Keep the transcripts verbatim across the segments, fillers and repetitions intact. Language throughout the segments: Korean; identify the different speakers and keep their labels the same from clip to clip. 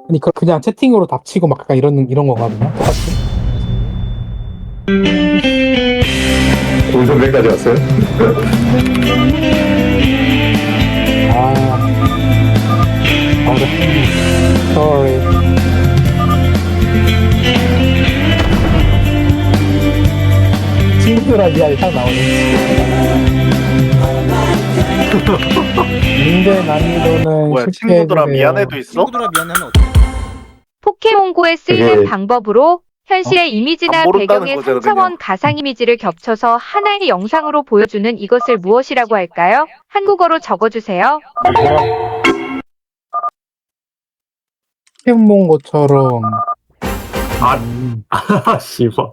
Speaker 1: 아니 그 그냥 채팅으로 답치고 막 약간 이런 이런 건가 보나? 똑같이?
Speaker 2: 동선배까지 왔어요?
Speaker 1: 아, 어려. Sorry. 친구들한 이야기 딱 나오네. 문제 난이도는
Speaker 3: 뭐야,
Speaker 1: 쉽게
Speaker 3: 친구들아
Speaker 1: 해주세요.
Speaker 3: 미안해도 있어?
Speaker 4: 친구들아 미안하면 어떡해?
Speaker 5: 포켓몬고에 쓰이는
Speaker 2: 그게-
Speaker 5: 방법으로 현실의 이미지나
Speaker 3: 안 모른다는
Speaker 5: 배경의
Speaker 3: 거잖아,
Speaker 5: 삼 차원
Speaker 3: 그냥.
Speaker 5: 가상 이미지를 겹쳐서 하나의 영상으로 보여주는 이것을 무엇이라고 할까요? 한국어로 적어주세요.
Speaker 1: 포켓몬 본 것처럼.
Speaker 2: 아,
Speaker 1: 음,
Speaker 2: 아, 씨발.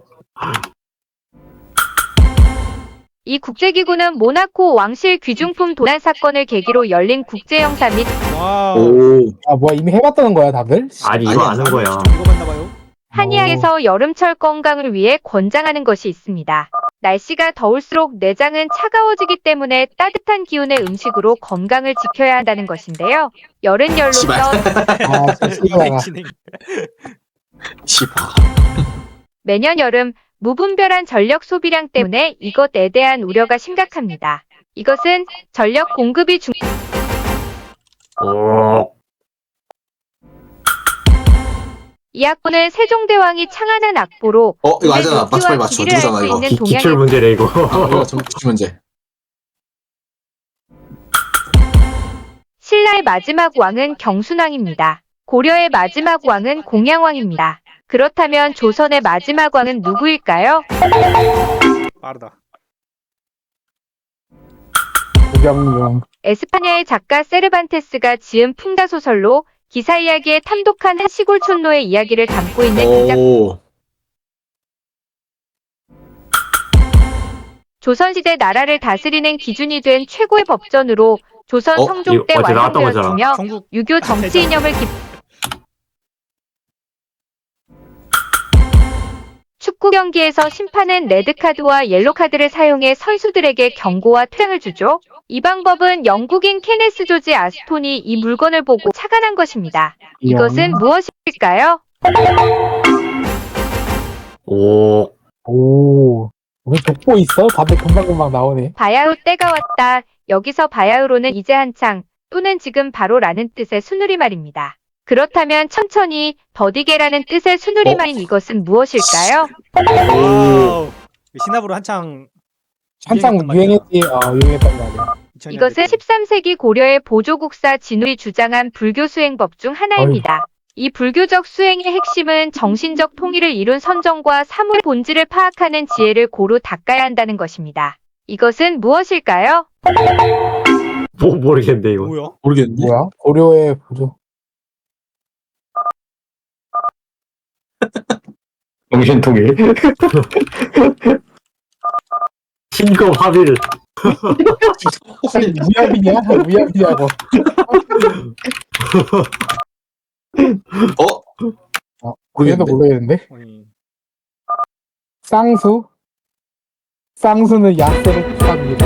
Speaker 5: 이 국제기구는 모나코 왕실 귀중품 도난 사건을 계기로 열린 국제영사 및
Speaker 4: 와우.
Speaker 2: 오,
Speaker 1: 아 뭐야 이미 해봤다는 거야 다들?
Speaker 2: 아니, 이거 아는 거야.
Speaker 4: 이거 봤나봐요.
Speaker 5: 한의학에서 여름철 건강을 위해 권장하는 것이 있습니다. 날씨가 더울수록 내장은 차가워지기 때문에 따뜻한 기운의 음식으로 건강을 지켜야 한다는 것인데요. 열은 열로서
Speaker 1: 아
Speaker 4: 진행
Speaker 1: 진짜
Speaker 4: 진행.
Speaker 5: 매년 여름 무분별한 전력 소비량 때문에 이것에 대한 우려가 심각합니다. 이것은 전력 공급이 중
Speaker 2: 오,
Speaker 5: 이 악보는 세종대왕이 창안한 악보로
Speaker 6: 어 이거 알잖아. 맞춰 빨리
Speaker 5: 노지와
Speaker 6: 맞춰.
Speaker 5: 길이를 알
Speaker 6: 누구잖아
Speaker 5: 수
Speaker 6: 이거.
Speaker 5: 있는
Speaker 2: 기,
Speaker 5: 동양의
Speaker 2: 기출 문제래, 이거.
Speaker 6: 아, 이거 좀 기출 문제.
Speaker 5: 신라의 마지막 왕은 경순왕입니다. 고려의 마지막 왕은 공양왕입니다. 그렇다면 조선의 마지막 왕은 누구일까요?
Speaker 4: 빠르다.
Speaker 1: 구경용.
Speaker 5: 에스파냐의 작가 세르반테스가 지은 풍자소설로 기사 이야기에 탐독한 한 시골 촌노의 이야기를 담고 있는 이 작.
Speaker 6: 오.
Speaker 5: 조선시대 나라를 다스리는 기준이 된 최고의 법전으로 조선
Speaker 6: 어?
Speaker 5: 성종 때
Speaker 2: 이거 어제 나왔던 거잖아.
Speaker 5: 완성되었으며
Speaker 4: 전국
Speaker 5: 유교 정치 이념을 기... 축구 경기에서 심판은 레드카드와 옐로카드를 사용해 선수들에게 경고와 퇴장을 주죠. 이 방법은 영국인 케네스 조지 아스톤이 이 물건을 보고 착안한 것입니다. 이것은 무엇일까요?
Speaker 2: 오,
Speaker 1: 오. 우리 독보 있어? 다들 금방금방 나오네.
Speaker 5: 바야흐로 때가 왔다. 여기서 바야흐로는 이제 한창 또는 지금 바로라는 뜻의 순우리말입니다. 그렇다면 천천히 더디게라는 뜻의 순우리말인 이것은 무엇일까요?
Speaker 4: 와우. 신압으로 한창
Speaker 1: 한창
Speaker 4: 유행했단
Speaker 1: 유행했지. 어 유행했단 말이야.
Speaker 4: 이천
Speaker 5: 이것은
Speaker 4: 년대 때.
Speaker 5: 십삼 세기 고려의 보조국사 진우이 주장한 불교 수행법 중 하나입니다. 이 불교적 수행의 핵심은 정신적 통일을 이룬 선정과 사물의 본질을 파악하는 지혜를 고루 닦아야 한다는 것입니다. 이것은 무엇일까요?
Speaker 2: 뭐, 모르겠네, 이거.
Speaker 4: 뭐야?
Speaker 6: 모르겠는데.
Speaker 1: 뭐야? 고려의 보조.
Speaker 2: 정신통일. 신검 합의를.
Speaker 1: 혹시 무협이냐? 무협이냐고.
Speaker 6: 어?
Speaker 1: 어, 그래도
Speaker 6: 모르겠는데.
Speaker 1: 모르겠는데.
Speaker 4: 아니,
Speaker 1: 쌍수? 쌍수는 야스를 뜻합니다.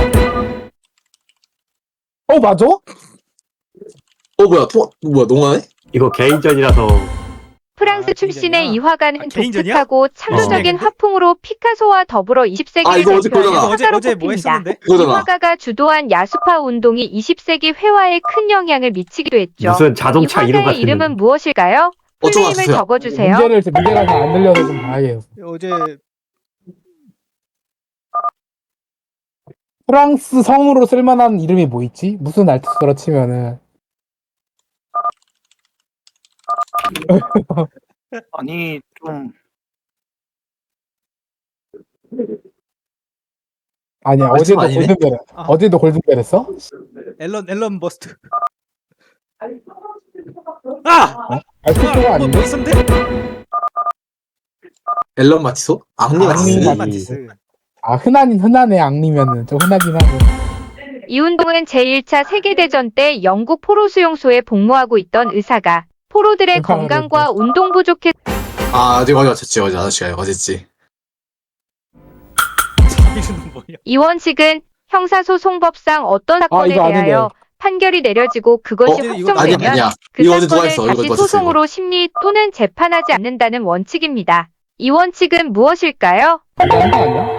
Speaker 1: 어 맞아?
Speaker 6: 어 뭐야? 통 뭐야? 농아네?
Speaker 2: 이거 개인전이라서.
Speaker 5: 프랑스
Speaker 4: 아,
Speaker 5: 출신의
Speaker 4: 개인전이야?
Speaker 5: 이 화가는
Speaker 4: 아, 개인전이야?
Speaker 5: 독특하고 창조적인
Speaker 4: 어.
Speaker 5: 화풍으로 피카소와 더불어 이십 세기를
Speaker 6: 아, 이거 어제
Speaker 5: 대표하는
Speaker 6: 그거잖아.
Speaker 4: 이거 어제
Speaker 5: 화가로
Speaker 4: 어제 뭐
Speaker 5: 꼽힙니다.
Speaker 4: 했었는데?
Speaker 5: 이
Speaker 6: 그거잖아.
Speaker 5: 화가가 주도한 야수파 운동이 이십 세기 회화에 큰 영향을 미치기도 했죠.
Speaker 2: 무슨 자동차
Speaker 5: 이
Speaker 2: 이름
Speaker 5: 화가의
Speaker 2: 같은.
Speaker 5: 이름은 무엇일까요?
Speaker 6: 어, 좀
Speaker 5: 풀네임을
Speaker 6: 와주세요.
Speaker 5: 적어주세요.
Speaker 1: 문제를 문제가 잘 안 들려서 좀 봐야겠어.
Speaker 4: 어제
Speaker 1: 프랑스 성으로 쓸만한 이름이 뭐 있지? 무슨 알투스로 치면은
Speaker 3: 아니 좀
Speaker 1: 아니야
Speaker 6: 알투스
Speaker 1: 어제도
Speaker 6: 아니네?
Speaker 1: 골든벨
Speaker 4: 아.
Speaker 1: 어제도 골든벨 했어?
Speaker 4: 앨런 앨런 버스트. 아!
Speaker 1: 알투스가
Speaker 4: 뭐,
Speaker 1: 아닌데?
Speaker 4: 뭐 있었는데?
Speaker 6: 앨런 마티소? 앙리
Speaker 1: 앙리
Speaker 6: 마티스?
Speaker 1: 마티스.
Speaker 4: 마티스.
Speaker 1: 아 흔한 흔한의 앙리면은 좀 흔하긴 하고.
Speaker 5: 이 운동은 제일 차 세계대전 때 영국 포로 수용소에 복무하고 있던 의사가 포로들의
Speaker 1: 의사가
Speaker 5: 건강과 운동 부족에
Speaker 6: 아 어제 어제 어쨌지 어제 아저씨가 어쨌지.
Speaker 4: 자비는 뭐야?
Speaker 5: 이 원칙은 형사소송법상 어떤 사건에
Speaker 1: 아, 이거 아는데.
Speaker 5: 대하여 판결이 내려지고 그것이
Speaker 6: 어?
Speaker 4: 이거
Speaker 6: 아니야
Speaker 5: 확정되면
Speaker 6: 아니야.
Speaker 5: 그
Speaker 6: 이거 어제 누가
Speaker 5: 사건을
Speaker 6: 했어? 이거
Speaker 5: 다시
Speaker 6: 누가 했어?
Speaker 5: 소송으로 심리 또는 재판하지 않는다는 원칙입니다. 이 원칙은 무엇일까요?
Speaker 1: 이거 한거 아니야?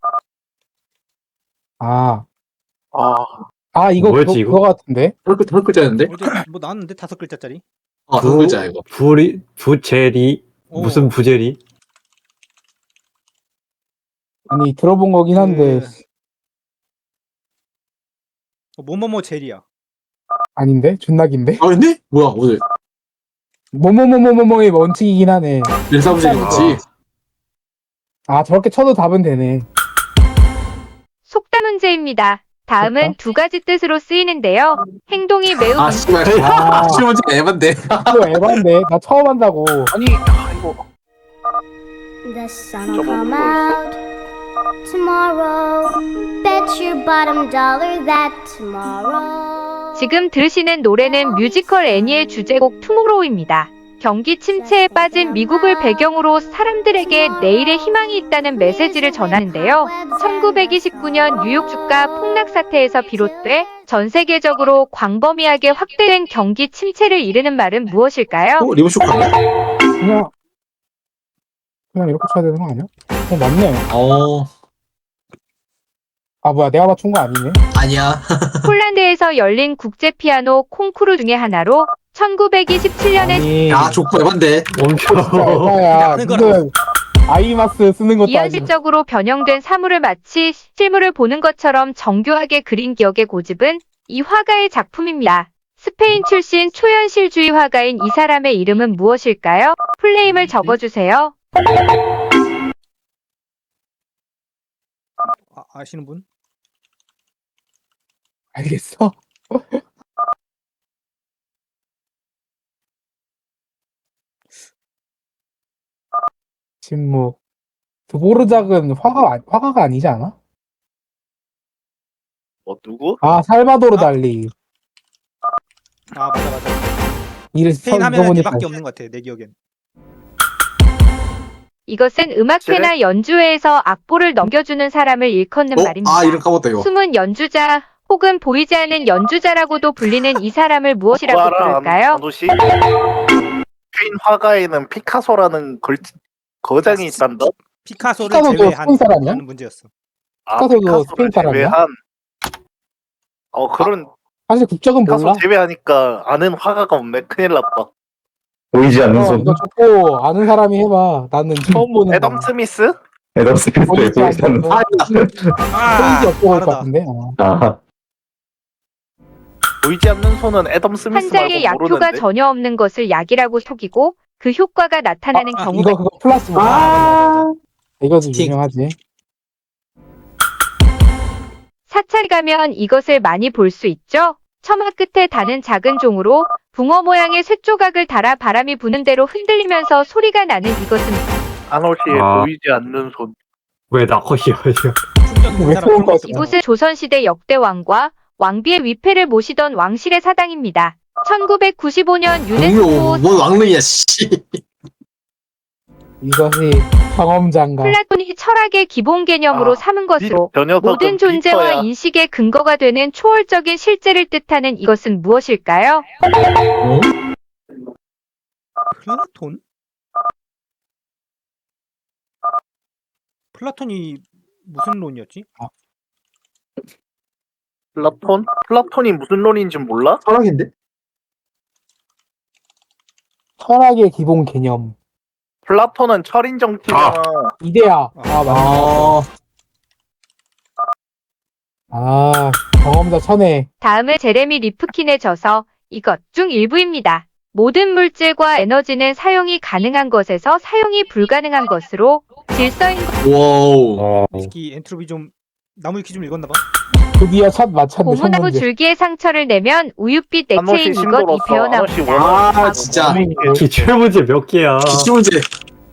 Speaker 1: 아,
Speaker 3: 아,
Speaker 1: 아 이거
Speaker 2: 뭐였지,
Speaker 1: 그거,
Speaker 2: 이거?
Speaker 1: 그거 같은데?
Speaker 6: 한 글- 한 글자였는데?
Speaker 4: 어제 뭐 나왔는데 다섯 글자짜리.
Speaker 6: 어, 한 글자 이거.
Speaker 2: 부리 부제리
Speaker 4: 오.
Speaker 2: 무슨 부제리?
Speaker 1: 아니 들어본 거긴 한데
Speaker 4: 그- 어, 뭐뭐뭐 젤이야.
Speaker 1: 아닌데? 존나 긴데?
Speaker 6: 아 근데? 뭐야 오늘
Speaker 1: 뭐뭐뭐뭐뭐의 원칙이긴 하네.
Speaker 6: 일사부재리 맞지?
Speaker 1: 아 저렇게 쳐도 답은 되네.
Speaker 5: 속담 문제입니다. 다음은
Speaker 1: 속담?
Speaker 5: 두 가지 뜻으로 쓰이는데요. 행동이 매우
Speaker 6: 아
Speaker 5: 민-
Speaker 6: 씨발.
Speaker 1: 아.
Speaker 6: 시문제가 에반데.
Speaker 1: 이거 에반데? 나 처음 한다고.
Speaker 3: 아니, 아, 이거
Speaker 7: The sun will
Speaker 3: 저거
Speaker 7: come
Speaker 3: 뭐였어?
Speaker 7: out tomorrow. Bet your bottom dollar that tomorrow.
Speaker 5: 지금 들으시는 노래는 뮤지컬 애니의 주제곡 투모로우입니다. 경기 침체에 빠진 미국을 배경으로 사람들에게 내일의 희망이 있다는 메시지를 전하는데요. 천구백이십구 년 뉴욕 주가 폭락 사태에서 비롯돼 전 세계적으로 광범위하게 확대된 경기 침체를 이르는 말은 무엇일까요?
Speaker 6: 어 리본 쇼크 아니야?
Speaker 1: 그냥 그냥 이렇게 쳐야 되는 거 아니야? 어 맞네.
Speaker 6: 어
Speaker 1: 아 뭐야 내가 맞춘 거 아니네.
Speaker 6: 아니야.
Speaker 5: 폴란드에서 열린 국제 피아노 콩쿠르 중의 하나로 천구백이십칠 년에
Speaker 1: 아니
Speaker 6: 야 좋고 에반데.
Speaker 2: 멈춰.
Speaker 1: 진짜 에바야.
Speaker 4: 하는
Speaker 1: 무슨 아이마스 쓰는 것도 아니고.
Speaker 5: 이현실적으로 변형된 사물을 마치 실물을 보는 것처럼 정교하게 그린 기억의 고집은 이 화가의 작품입니다. 스페인 출신 초현실주의 화가인 이 사람의 이름은 무엇일까요? 풀네임을 적어주세요.
Speaker 4: 아, 아시는 분?
Speaker 1: 알겠어. 침묵. 드보르작은 화가 아- 화가가 아니지 않아?
Speaker 3: 뭐 누구?
Speaker 1: 아 살바도르
Speaker 4: 아.
Speaker 1: 달리.
Speaker 4: 아 맞아 맞아.
Speaker 1: 이를
Speaker 4: 스페인 하면
Speaker 1: 써보니까
Speaker 4: 얘밖에 없는 것 같아 내 기억엔.
Speaker 5: 이것은 음악회나 연주회에서 악보를 넘겨주는 사람을 일컫는
Speaker 6: 어?
Speaker 5: 말입니다.
Speaker 6: 아 이름 까먹었다 이거.
Speaker 5: 숨은 연주자 혹은 보이지 않는 연주자라고도 불리는 이 사람을 무엇이라고
Speaker 3: 그거 알아,
Speaker 5: 부를까요?
Speaker 3: 안도시? 스페인 화가에는 피카소라는 걸 거장이 있단다.
Speaker 4: 피카소를
Speaker 1: 피카소도
Speaker 4: 제외한
Speaker 1: 스페인 사람이야?
Speaker 4: 라는 문제였어.
Speaker 3: 아,
Speaker 1: 피카소도
Speaker 3: 피카소를
Speaker 1: 스페인 사람이야?
Speaker 3: 제외한. 어 그런
Speaker 1: 사실 국적은
Speaker 3: 피카소
Speaker 1: 몰라.
Speaker 3: 제외하니까 아는 화가가 없네. 큰일 났다.
Speaker 2: 보이지 않는
Speaker 1: 어,
Speaker 2: 손.
Speaker 1: 이거 좋고 아는 사람이 해봐. 나는 처음 보는
Speaker 3: 애덤
Speaker 1: 거.
Speaker 3: 스미스?
Speaker 2: 에덤 스미스에
Speaker 1: 보이지
Speaker 2: 보이지 않는
Speaker 1: 않는
Speaker 2: 손.
Speaker 1: 보이지 없고 올 것
Speaker 4: 다르다.
Speaker 1: 같은데. 어.
Speaker 2: 아,
Speaker 3: 보이지 않는 손은 애덤 스미스
Speaker 5: 환자에게
Speaker 3: 말고
Speaker 5: 약효가
Speaker 3: 모르는데.
Speaker 5: 전혀 없는 것을 약이라고 속이고 그 효과가 나타나는
Speaker 4: 아, 아,
Speaker 5: 경우가
Speaker 1: 이거 그거 플라스 뭐.
Speaker 4: 아,
Speaker 1: 이거
Speaker 6: 스틱.
Speaker 1: 유명하지.
Speaker 5: 사찰 가면 이것을 많이 볼 수 있죠? 처마 끝에 다는 작은 종으로 붕어 모양의 쇳조각을 달아 바람이 부는 대로 흔들리면서 소리가 나는 이것은
Speaker 3: 아노시의
Speaker 2: 아.
Speaker 3: 보이지 않는 손.
Speaker 2: 왜 나컷이야?
Speaker 4: 충격이
Speaker 1: 왜
Speaker 4: 그 사람
Speaker 1: 그런
Speaker 4: 그런 거
Speaker 1: 거지?
Speaker 4: 있어.
Speaker 5: 이곳은 조선시대 역대 왕과 왕비의 위패를 모시던 왕실의 사당입니다. 천구백구십오 년 유네스코
Speaker 6: 왕료 뭔 왕릉이야 씨.
Speaker 1: 이것이 경험장가.
Speaker 5: 플라톤이 철학의 기본 개념으로
Speaker 3: 아,
Speaker 5: 삼은 것으로
Speaker 3: 저 녀석은
Speaker 5: 모든 존재와
Speaker 3: 비커야.
Speaker 5: 인식의 근거가 되는 초월적인 실제를 뜻하는 이것은 무엇일까요?
Speaker 6: 어?
Speaker 4: 플라톤? 플라톤이 무슨 론이었지?
Speaker 3: 플라톤? 플라톤이 무슨 론인지 몰라?
Speaker 6: 철학인데?
Speaker 1: 철학의 기본 개념.
Speaker 3: 플라톤은 철인 정치잖아.
Speaker 1: 이데아. 아 맞네.
Speaker 6: 아
Speaker 1: 아 경험자 천에.
Speaker 5: 다음은 제레미 리프킨의 저서 이것 중 일부입니다. 모든 물질과 에너지는 사용이 가능한 것에서 사용이 불가능한 것으로 질서인 것.
Speaker 6: 와우.
Speaker 2: 어,
Speaker 4: 특히 엔트로피 좀 나무위키 좀 읽었나 봐.
Speaker 1: 드디어 첫 맞췄네. 첫
Speaker 5: 고무나무
Speaker 1: 문제.
Speaker 5: 줄기에 상처를 내면 우윳빛 액체인
Speaker 3: 아노시
Speaker 5: 이것 이
Speaker 3: 심도로서 아노시
Speaker 5: 배어나옵니다.
Speaker 3: 원어.
Speaker 6: 아 진짜.
Speaker 2: 기출 문제 몇 개야?
Speaker 6: 기출 문제.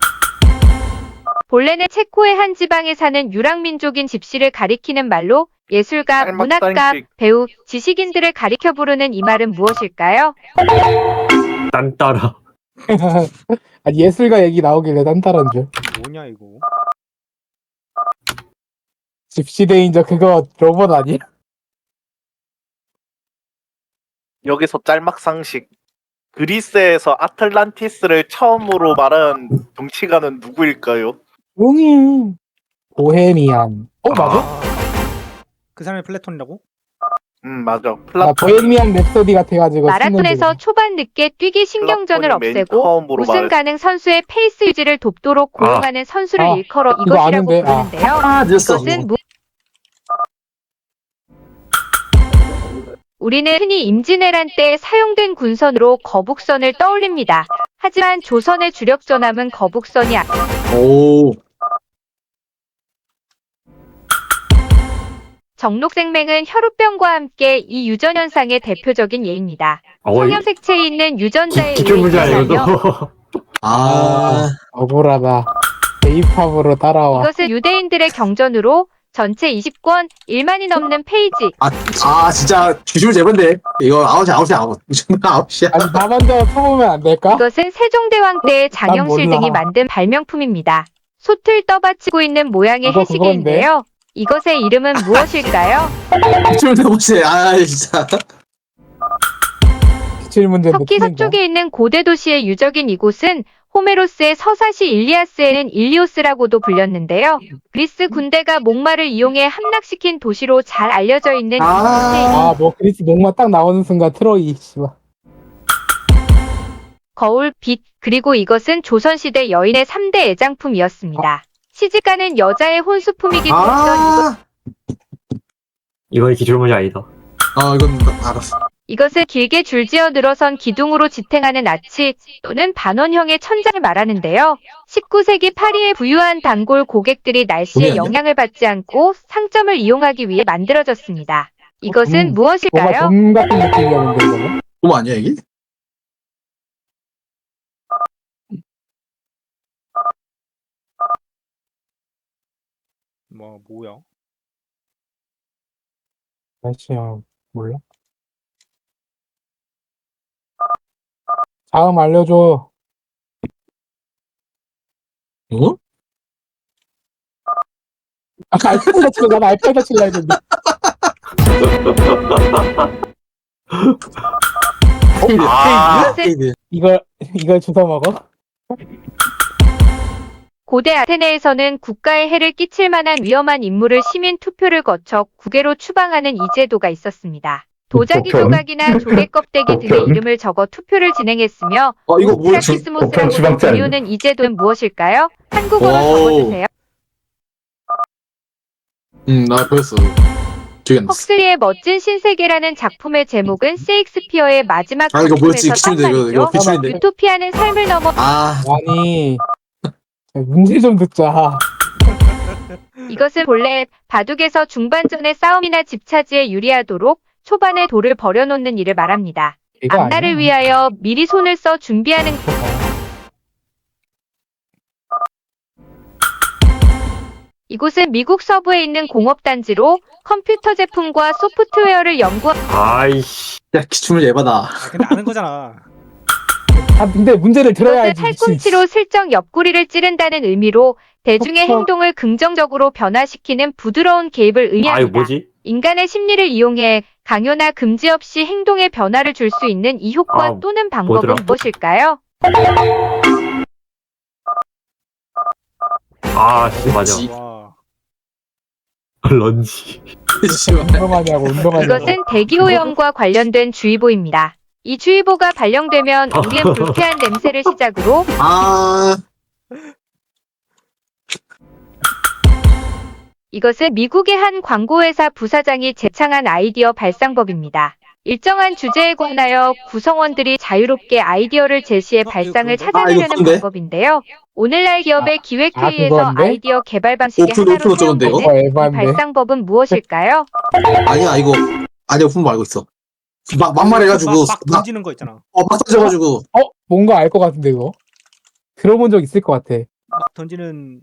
Speaker 5: 본래는 체코의 한 지방에 사는 유랑민족인 집시를 가리키는 말로 예술가,
Speaker 3: 짤막짤씩.
Speaker 5: 문학가, 배우, 지식인들을 가리켜 부르는 이 말은 무엇일까요?
Speaker 2: 딴따라.
Speaker 1: 아, 예술가 얘기 나오길래 딴따라인 줄.
Speaker 4: 뭐냐 이거?
Speaker 1: 집시대인저 그거 로봇 아니야?
Speaker 3: 여기서 짤막 상식. 그리스에서 아틀란티스를 처음으로 말한 정치가는 누구일까요?
Speaker 1: 용이 보헤미안. 어 맞아?
Speaker 4: 아, 그 사람이 플래톤이라고?
Speaker 3: 음 맞아.
Speaker 1: 나
Speaker 3: 플라톤.
Speaker 1: 보헤미안 랩소디 같아가지고
Speaker 5: 마라톤에서 초반 늦게 뛰기 신경전을
Speaker 3: 플라톤이 맨
Speaker 5: 없애고
Speaker 3: 처음으로
Speaker 5: 우승
Speaker 3: 말-
Speaker 5: 가능 선수의 페이스 유지를 돕도록 고용하는 선수를
Speaker 1: 아,
Speaker 5: 일컬어
Speaker 1: 이거
Speaker 5: 이것이라고
Speaker 1: 아는데, 아.
Speaker 5: 부르는데요.
Speaker 6: 아, 늦었어.
Speaker 5: 이것은 무... 우리는 흔히 임진왜란 때 사용된 군선으로 거북선을 떠올립니다. 하지만 조선의 주력 전함은 거북선이 아니
Speaker 6: 오.
Speaker 5: 정록생맹은 혈우병과 함께 이 유전현상의 대표적인 예입니다.
Speaker 2: 어,
Speaker 5: 성염색체에 있는 유전자에
Speaker 2: 기, 기출 문제
Speaker 5: 의해
Speaker 2: 아니거든.
Speaker 5: 유전하며
Speaker 6: 아.
Speaker 1: 억울하다. J-팝으로 따라와.
Speaker 5: 이것은 유대인들의 경전으로 전체 이십 권, 일만이 넘는 페이지,
Speaker 6: 아, 아, 진짜 주술 제본데. 이거 아웃이야, 아웃이야, 아웃. 이 정도 아웃이야.
Speaker 1: 아니 나 먼저 쳐보면 안 될까?
Speaker 5: 이것은 세종대왕 때의 장영실
Speaker 1: 몰라.
Speaker 5: 등이 만든 발명품입니다. 솥을 떠받치고 있는 모양의
Speaker 1: 이거
Speaker 5: 해시계인데요. 이것의 이름은 무엇일까요?
Speaker 6: 주술 제본데. 아, 진짜.
Speaker 1: 기출 문제인데
Speaker 5: 터키
Speaker 1: 틀린다.
Speaker 5: 서쪽에 있는 고대 도시의 유적인 이곳은 호메로스의 서사시 일리아스에는 일리오스라고도 불렸는데요. 그리스 군대가 목마를 이용해 함락시킨 도시로 잘 알려져 있는
Speaker 6: 아.
Speaker 5: 이곳에
Speaker 1: 아 뭐 그리스 목마 딱 나오는 순간 트로이 씨발.
Speaker 5: 거울, 빛, 그리고 이것은 조선시대 여인의 삼 대 애장품이었습니다. 시집가는 여자의 혼수품이기도 했던
Speaker 6: 아.
Speaker 2: 이건 기출 문제 아니다.
Speaker 6: 아, 이건 나- 알았어.
Speaker 5: 이것은 길게 줄지어 늘어선 기둥으로 지탱하는 아치 또는 반원형의 천장을 말하는데요. 십구 세기 파리의 부유한 단골 고객들이 날씨의
Speaker 6: 아니야?
Speaker 5: 영향을 받지 않고 상점을 이용하기 위해 만들어졌습니다. 이것은
Speaker 1: 음, 뭔가
Speaker 5: 무엇일까요?
Speaker 1: 돔 같은 느낌이었는데 이거는.
Speaker 6: 그거 아니야, 이게?
Speaker 4: 뭐 뭐야?
Speaker 1: 날씨야 몰라? 다음 알려줘.
Speaker 6: 어?
Speaker 1: 아까 알파에서 치려 난 알파에서 칠라 했는데.
Speaker 3: 아.
Speaker 6: 페이드.
Speaker 1: 이걸 이걸 주워 먹어?
Speaker 5: 고대 아테네에서는 국가에 해를 끼칠 만한 위험한 인물을 시민 투표를 거쳐 국외로 추방하는 이 제도가 있었습니다. 도자기
Speaker 2: 보편.
Speaker 5: 조각이나 조개 껍데기 등의
Speaker 2: 보편.
Speaker 5: 이름을 적어 투표를 진행했으며
Speaker 6: 어, 이거 뭐야? 주-
Speaker 5: 프라키스모스라고
Speaker 2: 보편 추방자 아니야?
Speaker 5: 불리우는 이 제도는 무엇일까요? 한국어로
Speaker 6: 오.
Speaker 5: 적어주세요.
Speaker 6: 음, 나 보였어. 기억이 안 났어.
Speaker 5: 헉슬리의 멋진 신세계라는 작품의 제목은 세익스피어의 마지막
Speaker 6: 아, 이거 뭐였지?
Speaker 5: 작품에서 딴
Speaker 6: 기출인데, 이거, 이거
Speaker 5: 말이죠.
Speaker 6: 기출인데.
Speaker 5: 유토피아는 삶을 넘어
Speaker 6: 아,
Speaker 1: 아니 문제 좀 듣자.
Speaker 5: 이것은 본래 바둑에서 중반전의 싸움이나 집차지에 유리하도록 초반에 돌을 버려놓는 일을 말합니다.
Speaker 1: 이거
Speaker 5: 앞날을
Speaker 1: 아니야?
Speaker 5: 위하여 미리 손을 써 준비하는 이곳은 미국 서부에 있는 공업단지로 컴퓨터 제품과 소프트웨어를 연구
Speaker 2: 아이씨.
Speaker 6: 야, 기출문 예바다.
Speaker 4: 아, 근데 아는 거잖아.
Speaker 1: 아 근데 문제를
Speaker 5: 이것은
Speaker 1: 들어야지. 미친.
Speaker 5: 팔꿈치로 슬쩍 옆구리를 찌른다는 의미로 대중의
Speaker 1: 그쵸.
Speaker 5: 행동을 긍정적으로 변화시키는 부드러운 개입을
Speaker 2: 아, 이거
Speaker 5: 의미합니다.
Speaker 2: 뭐지?
Speaker 5: 인간의 심리를 이용해 강요나 금지 없이 행동에 변화를 줄 수 있는 이 효과
Speaker 2: 아,
Speaker 5: 또는 방법은
Speaker 2: 뭐더라?
Speaker 5: 무엇일까요?
Speaker 2: 아, 씨, 맞아.
Speaker 6: 지-
Speaker 4: 와.
Speaker 2: 런지.
Speaker 6: 씨발.
Speaker 1: 운동하냐고 운동하냐고.
Speaker 5: 이것은 대기오염과 관련된 주의보입니다. 이 주의보가 발령되면 우리는 불쾌한 냄새를 시작으로
Speaker 6: 아,
Speaker 5: 이것은 미국의 한 광고회사 부사장이 제창한 아이디어 발상법입니다. 일정한 주제에 관하여 구성원들이 자유롭게 아이디어를 제시해
Speaker 4: 어,
Speaker 5: 발상을
Speaker 4: 이거 그건데?
Speaker 5: 찾아내려는
Speaker 6: 아, 이거 그건데?
Speaker 5: 방법인데요. 오늘날 기업의 기획회의에서
Speaker 1: 아, 그건데?
Speaker 5: 아이디어 개발 방식의
Speaker 6: 오픈,
Speaker 5: 하나로
Speaker 6: 오픈 어쩌건데, 이거?
Speaker 5: 사용되는 이
Speaker 1: 에반데.
Speaker 5: 발상법은 무엇일까요?
Speaker 6: 아니야, 이거. 아니야, 분모 알고 있어. 막, 막말해가지고.
Speaker 4: 막, 막
Speaker 6: 막,
Speaker 4: 던지는 거 있잖아.
Speaker 6: 어, 막 던져가지고.
Speaker 1: 어 뭔가 알 것 같은데 이거. 들어본 적 있을 것 같아.
Speaker 4: 막 던지는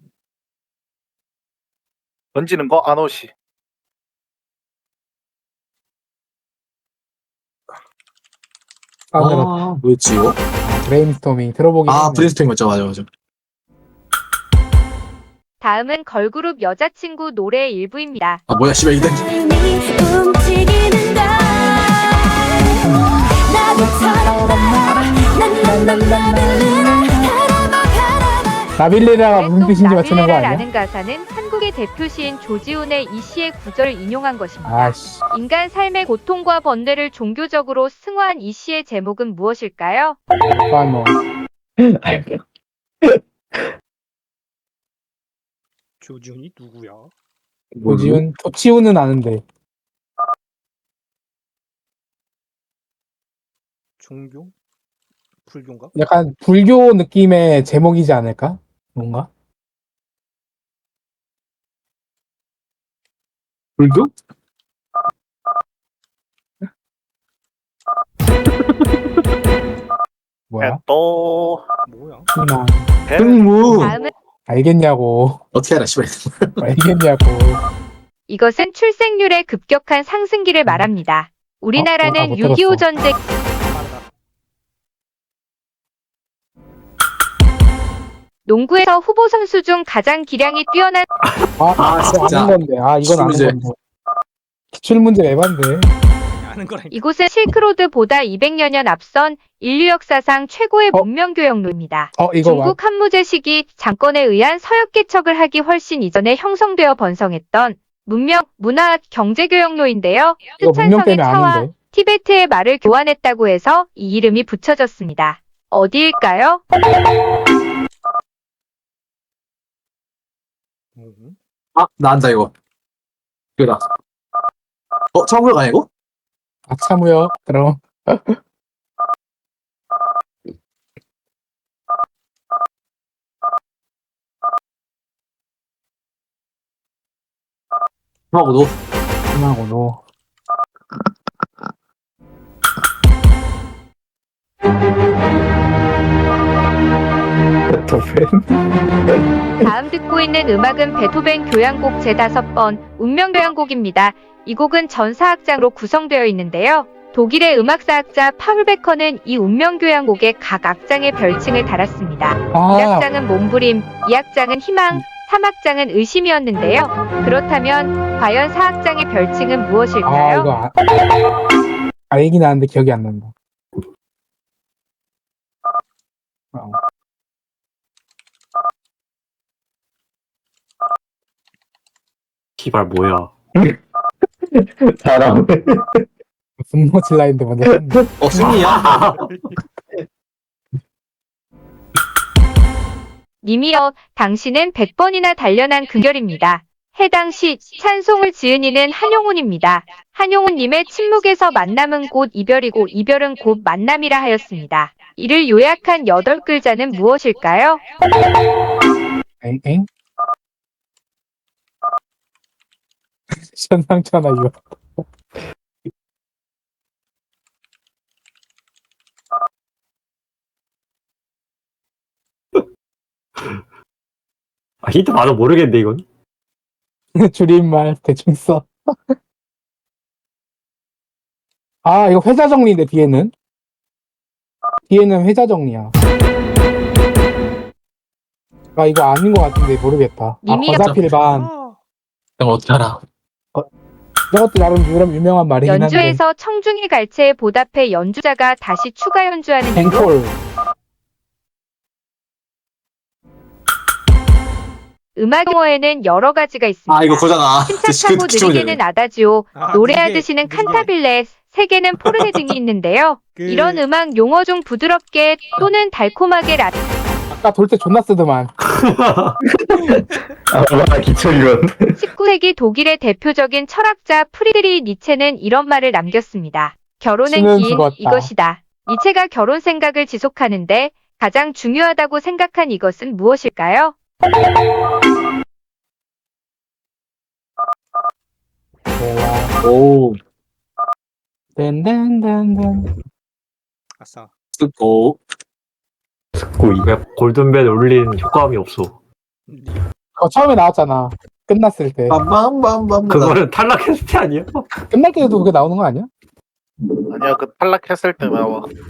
Speaker 3: 던지는 거 아노시.
Speaker 1: 사운드로
Speaker 6: 아, 뭐였지, 이거?
Speaker 1: 브레인스토밍 들어보긴
Speaker 6: 아,
Speaker 1: 했네.
Speaker 6: 브레인스토밍 맞죠, 맞아, 맞아.
Speaker 5: 다음은 걸그룹 여자친구 노래의 일부입니다.
Speaker 6: 아, 뭐야, 씨발, 이단.
Speaker 7: 움직이는 날
Speaker 1: 나빌레라가 무슨
Speaker 5: 또
Speaker 1: 뜻인지 맞추는 거 아니야?
Speaker 5: 나빌레라라는 가사는 한국의 대표 시인 조지훈의 이 시의 구절을 인용한 것입니다.
Speaker 1: 아씨.
Speaker 5: 인간 삶의 고통과 번뇌를 종교적으로 승화한 이 시의 제목은 무엇일까요?
Speaker 1: 아, 뭐.
Speaker 4: 조지훈이 누구야?
Speaker 1: 조지훈, 조치훈은 아는데.
Speaker 4: 종교? 불교인가?
Speaker 1: 약간 불교 느낌의 제목이지 않을까? 뭔가?
Speaker 6: 불교?
Speaker 1: 뭐야?
Speaker 3: 또
Speaker 4: 뭐야?
Speaker 1: 희망.
Speaker 6: 흥무.
Speaker 5: 다음은
Speaker 1: 알겠냐고.
Speaker 6: 어떻게 알아, 씨발.
Speaker 1: 알겠냐고.
Speaker 5: 이것은 출생률의 급격한 상승기를 말합니다. 우리나라는
Speaker 1: 어, 못
Speaker 5: 육이오
Speaker 1: 들었어.
Speaker 5: 전쟁
Speaker 4: 빠르다.
Speaker 5: 농구에서 후보 선수 중 가장 기량이 뛰어난
Speaker 1: 아,
Speaker 6: 아,
Speaker 1: 이거
Speaker 6: 진짜.
Speaker 1: 아는 건데. 아, 이건 아는
Speaker 6: 기출문제.
Speaker 1: 건데. 기출문제 에반데.
Speaker 4: 아는 거라니까.
Speaker 5: 이곳은 실크로드보다 이백여 년 앞선 인류 역사상 최고의
Speaker 1: 어?
Speaker 5: 문명교역로입니다.
Speaker 1: 어, 이거 봐.
Speaker 5: 중국 한무제 시기 장건에 의한 서역 개척을 하기 훨씬 이전에 형성되어 번성했던 문명, 문화, 경제교역로인데요.
Speaker 1: 이거 문명
Speaker 5: 스촨성의
Speaker 1: 때문에
Speaker 5: 차와
Speaker 1: 아는데.
Speaker 5: 티베트의 말을 교환했다고 해서 이 이름이 붙여졌습니다. 어디일까요?
Speaker 4: 음.
Speaker 6: 아, 나 안다, 이거. 이거다. 어, 처음으로 가냐, 이거?
Speaker 1: 아차무역. 그럼.
Speaker 6: 하고 너.
Speaker 1: 희망하고 노.
Speaker 5: 다음 듣고 있는 음악은 베토벤 교향곡 제다섯 번 운명 교향곡입니다. 이 곡은 전사악장으로 구성되어 있는데요. 독일의 음악사학자 파울 베커는 이 운명 교향곡에 각 악장의 별칭을 달았습니다.
Speaker 1: 아,
Speaker 5: 일 악장은 몸부림, 이 악장은 희망, 삼 악장은 의심이었는데요. 그렇다면 과연 사 악장의 별칭은
Speaker 1: 아,
Speaker 5: 무엇일까요?
Speaker 1: 이거 아, 알긴 아는데 기억이 안 난다. 어.
Speaker 2: 씨발 뭐야?
Speaker 8: 사람.
Speaker 1: 분노 질라인데 먼저 했는데.
Speaker 6: 어, 승리야?
Speaker 5: 님이여, 당신은 백 번이나 단련한 금결입니다. 해당 시 찬송을 지은 이는 한용운입니다. 한용운님의 침묵에서 만남은 곧 이별이고 이별은 곧 만남이라 하였습니다. 이를 요약한 여덟 글자는 무엇일까요?
Speaker 1: 엥? 엥? 현상천하 이거.
Speaker 2: 아, 힌트 봐도 모르겠는데 이건.
Speaker 1: 줄임말 대충 써. 아, 이거 회자 정리인데 뒤에는? 뒤에는 회자 정리야. 아, 이거 아닌 것 같은데 모르겠다. 아,
Speaker 5: 님이
Speaker 1: 거사필반.
Speaker 4: 아,
Speaker 6: 형 어떻게 알아?
Speaker 1: 이것도 나름 유명, 유명한 말이긴 한데.
Speaker 5: 연주에서 청중의 갈채에 보답해 연주자가 다시 추가 연주하는 이유.
Speaker 1: 뱅콜.
Speaker 5: 음악 용어에는 여러 가지가 있습니다.
Speaker 6: 아, 이거 그거잖아.
Speaker 5: 침착하고
Speaker 6: 그- 그-
Speaker 5: 느리게는 아다지오,
Speaker 4: 아,
Speaker 5: 노래하듯이는
Speaker 4: 느리게, 느리게.
Speaker 5: 칸타빌레, 세게는 포르네 등이 있는데요.
Speaker 4: 그-
Speaker 5: 이런 음악 용어 중 부드럽게 또는 달콤하게 라
Speaker 1: 아까 돌 때 존나 쓰더만.
Speaker 8: 아, 기초이론.
Speaker 5: 십구 세기 독일의 대표적인 철학자 프리드리 니체는 이런 말을 남겼습니다. 결혼은
Speaker 1: 신은
Speaker 5: 기인
Speaker 1: 죽었다.
Speaker 5: 이것이다. 니체가 결혼 생각을 지속하는데 가장 중요하다고 생각한 이것은 무엇일까요?
Speaker 1: 대화.
Speaker 6: 오,
Speaker 1: 댄댄댄댄.
Speaker 4: 아싸.
Speaker 6: 쓰고.
Speaker 8: 고이.
Speaker 2: 왜 골든벨 울린 효과음이 없어?
Speaker 1: 그거 처음에 나왔잖아. 끝났을 때.
Speaker 6: 빰빰빰빰.
Speaker 2: 그거는 탈락했을 때 아니야?
Speaker 1: 끝날 때도 그게 나오는 거 아니야?
Speaker 3: 아니야 그 탈락했을 때 나와.